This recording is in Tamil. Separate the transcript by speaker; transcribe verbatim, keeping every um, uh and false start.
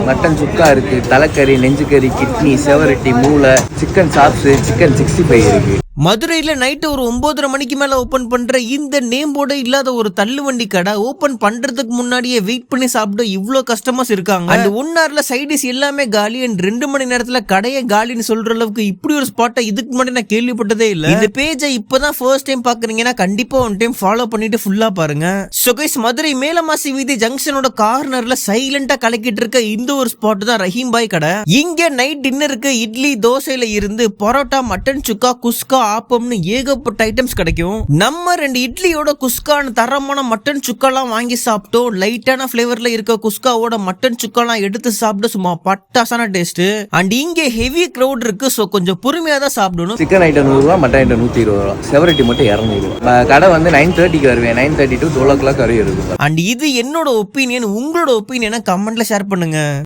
Speaker 1: மட்டன் சுக்கா இருக்கு, தலைக்கறி, நெஞ்சுக்கறி, கிட்னி, செவரட்டி, மூளை, chicken chops, chicken sixty five இருக்கு.
Speaker 2: மதுரையில நைட்டு ஒரு ஒன்பதரை மணிக்கு மேல ஓபன் பண்ற இந்த நேம் போர்டு இல்லாத ஒரு தள்ளுவண்டி கடை ஓபன் பண்றதுக்கு முன்னாடியே வெயிட் பண்ணி சாப்பிட இவ்வளவு கஸ்டமர்ஸ் இருக்காங்க. அண்ட் ஒன் ஹவர்ல சைடிஸ் எல்லாமே காலி அண்ட் ரெண்டு மணி நேரத்துல கடையை காலின்னு சொல்ற அளவுக்கு இப்படி ஒரு ஸ்பாட்டை இதுக்கு முன்னாடி நான் கேள்விப்பட்டதே இல்ல. இந்த பேஜை இப்பதான் ஃபர்ஸ்ட் டைம் பாக்குறீங்கன்னா கண்டிப்பா ஒன் டைம் ஃபாலோ பண்ணிட்டு ஃபுல்லா பாருங்க. சோ கைஸ், மதுரை மேலமாசி வீதி ஜங்ஷனோட கார்னர்ல சைலண்டா கலக்கிட்டு இருக்க இந்த ஒரு ஸ்பாட் தான் ரஹீம் பாய் கடை. இங்க நைட் டின்னருக்கு இட்லி தோசையில இருந்து பரோட்டா, மட்டன் சுக்கா, குஸ்கா, ஆப்பம்னு ஏகப்பட்ட ஐட்டம்ஸ் கிடைக்கும். நம்ம ரெண்டு இட்லியோட குஸ்கான தரமான மட்டன் சுக்காலாம் வாங்கி சாப்பிட்டோம். லைட்டான பிளேவர்ல இருக்க குஸ்காவோட மட்டன் சுக்காலாம் எடுத்து சாப்பிட்டு சும்மா பட்டாசான டேஸ்ட். அண்ட் இங்க ஹெவி கிரௌட் இருக்கு, சோ கொஞ்சம் பொறுமையா தான் சாப்பிடணும்.
Speaker 1: சிக்கன் ஐட்டம் நூறு ரூபா, மட்டன் ஐட்டம் நூத்தி இருபது ரூபா, செவரட்டி மட்டும் இருநூறு ரூபா. கடை வந்து நைன் தேர்ட்டிக்கு வருவேன், nine thirty to twelve o'clock வரையும் இருக்கு.
Speaker 2: அண்ட் இது என்னோட ஒப்பீனியன். உங்களோட ஒப்பீனியனை கமெண்ட்ல ஷேர் பண்ணுங்க.